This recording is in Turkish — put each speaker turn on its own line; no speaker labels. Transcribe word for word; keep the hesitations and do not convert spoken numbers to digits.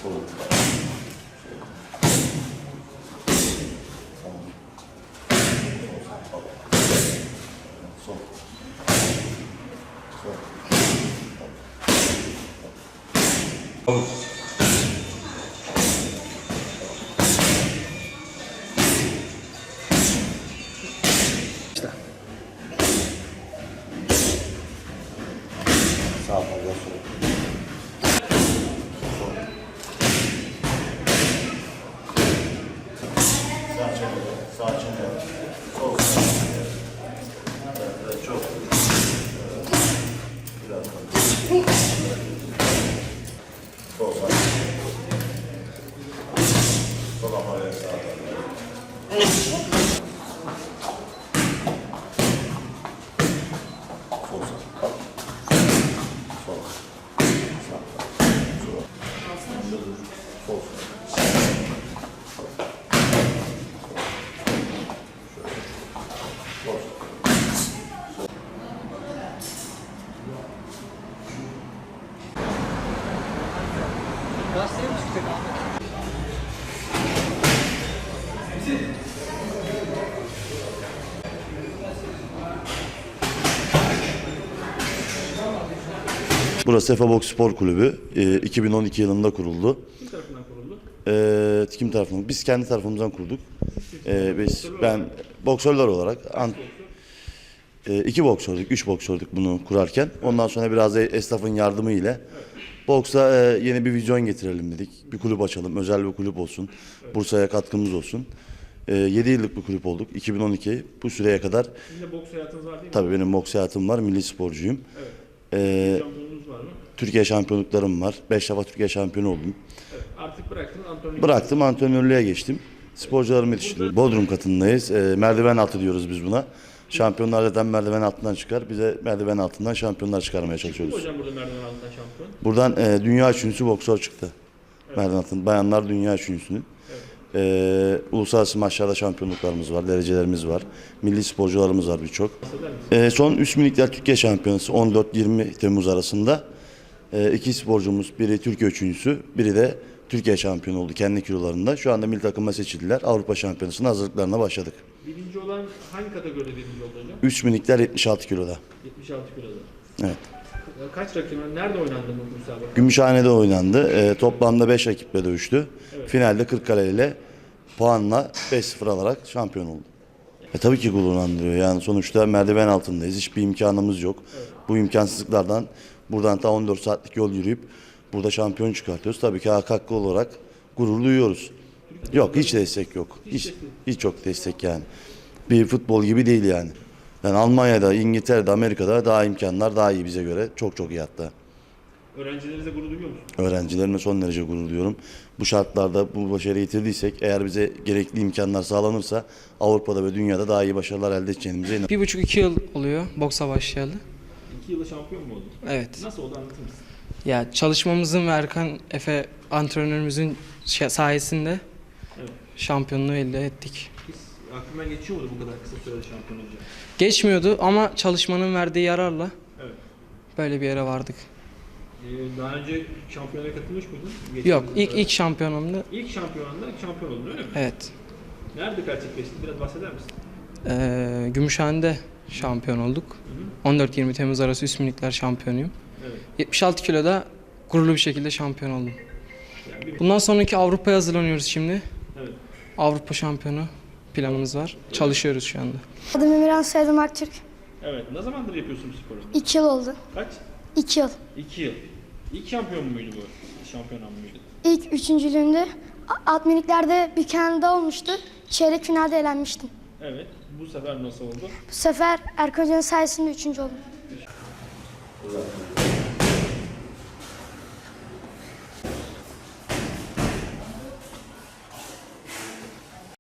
Sol. Sol. Sol.
İşte.
Sağ fazla sol. Sol. Sağ çevre. Sağ çevre. Sol. Evet, evet, çok. Evet. Biraz daha. Sol sağ. Sol ama evet sağ. Sol sağ. Sol. Sağ. Sol. Sol. Sol.
Gazeteye mi çıkacak abi?
Burası Efe Boks Spor Kulübü. E, iki bin on iki yılında kuruldu.
Kim tarafından kuruldu?
E, kim tarafından? Biz kendi tarafımızdan kurduk. E, biz ben boksörler olarak an, e, iki boksördük, üç boksördük bunu kurarken. Ondan sonra biraz da esnafın yardımı ile boksa e, yeni bir vizyon getirelim dedik. Bir kulüp açalım, özel bir kulüp olsun. Bursa'ya katkımız olsun. E, yedi yıllık bir kulüp olduk. iki bin on iki bu süreye kadar.
Sizin de boks hayatınız var değil mi?
Tabii benim boks hayatım var, milli sporcuyum.
Evet.
E,
Şampiyonunuz var mı?
Türkiye şampiyonluklarım var. Beş defa Türkiye şampiyonu oldum.
Evet. Artık bıraktınız antrenörlüğü.
Bıraktım, antrenörlüğe geçtim. Sporcularımı yetiştiriyorum. Bodrum katındayız. E, merdiven altı diyoruz biz buna. Şampiyonlar zaten merdiven altından çıkar. Bize merdiven altından şampiyonlar çıkarmaya çalışıyoruz.
Hocam burada merdiven altından şampiyon.
Buradan e, dünya üçüncüsü boksör çıktı. Evet. Merdiven altından. Bayanlar dünya üçüncüsünün. Evet. E, uluslararası maçlarda şampiyonluklarımız var, derecelerimiz var. Milli sporcularımız var birçok. E, son üç minikler Türkiye şampiyonası on dört yirmi Temmuz arasında. E, iki sporcumuz, biri Türkiye üçüncüsü, biri de Türkiye şampiyonu oldu kendi kilolarında. Şu anda milli takıma seçildiler. Avrupa Şampiyonası'nın hazırlıklarına başladık.
Birinci olan hangi kategoride birinci oldu hocam?
üç minikler yetmiş altı kiloda.
yetmiş altı kiloda.
Evet.
Kaç rakip? Nerede oynandı bu müsabaka?
Gümüşhane'de oynandı. E, toplamda beş rakiple dövüştü. Evet. Finalde Kırıkkale ile puanla beş sıfır alarak şampiyon oldu. E, tabii ki gururlandırıyor. Yani sonuçta merdiven altındayız. Hiçbir imkanımız yok. Evet. Bu imkansızlıklardan buradan ta on dört saatlik yol yürüyüp burada şampiyon çıkartıyoruz. Tabii ki hak hakkı olarak gurur duyuyoruz. Yok, hiç destek yok. Hiç, hiç çok destek yani. Bir futbol gibi değil yani. Yani Almanya'da, İngiltere'de, Amerika'da daha imkanlar daha iyi bize göre. Çok çok iyi hatta.
Öğrencilerinize gurur duyuyor musunuz?
Öğrencilerime son derece gurur duyuyorum. Bu şartlarda bu başarıyı yitirdiysek, eğer bize gerekli imkanlar sağlanırsa Avrupa'da ve dünyada daha iyi başarılar elde edeceğimize inanıyorum.
Bir buçuk iki yıl oluyor boksa başlayalı.
İki yılda şampiyon mu oldun?
Evet.
Nasıl oldu anlatır mısın?
Ya çalışmamızın ve Erkan Efe antrenörümüzün sayesinde
Evet.
şampiyonluğu elde ettik.
Biz, aklımdan geçiyor muydu bu kadar kısa sürede şampiyon olacak?
Geçmiyordu ama çalışmanın verdiği yararla
Evet.
böyle bir yere vardık.
Ee, daha önce şampiyonaya katılmış mıydın?
Yok,
Geçtiğimiz
ilk
sırada.
ilk şampiyonumdu.
İlk şampiyonanda şampiyon oldun öyle mi?
Evet.
Nerede gerçekleşti? Biraz bahseder misin?
Ee, Gümüşhane'de şampiyon olduk.
Hı hı.
on dört yirmi Temmuz arası üst minikler şampiyonuyum.
Evet.
yetmiş altı kiloda gururlu bir şekilde şampiyon oldum.
Yani bir...
Bundan sonraki Avrupa'ya hazırlanıyoruz şimdi.
Evet.
Avrupa şampiyonu planımız var. Çalışıyoruz şu anda.
Adım Emirhan, soyadım Aktürk.
Evet. Ne zamandır yapıyorsun bu sporu?
İki yıl oldu.
Kaç?
İki yıl.
İki yıl. İlk şampiyon muydu bu? Şampiyon muydu?
İlk üçüncülüğümde alt miniklerde bir Kanada olmuştu. Çeyrek finalde elenmiştim.
Evet. Bu sefer nasıl oldu?
Bu sefer Erkan Hoca'nın sayesinde üçüncü oldum.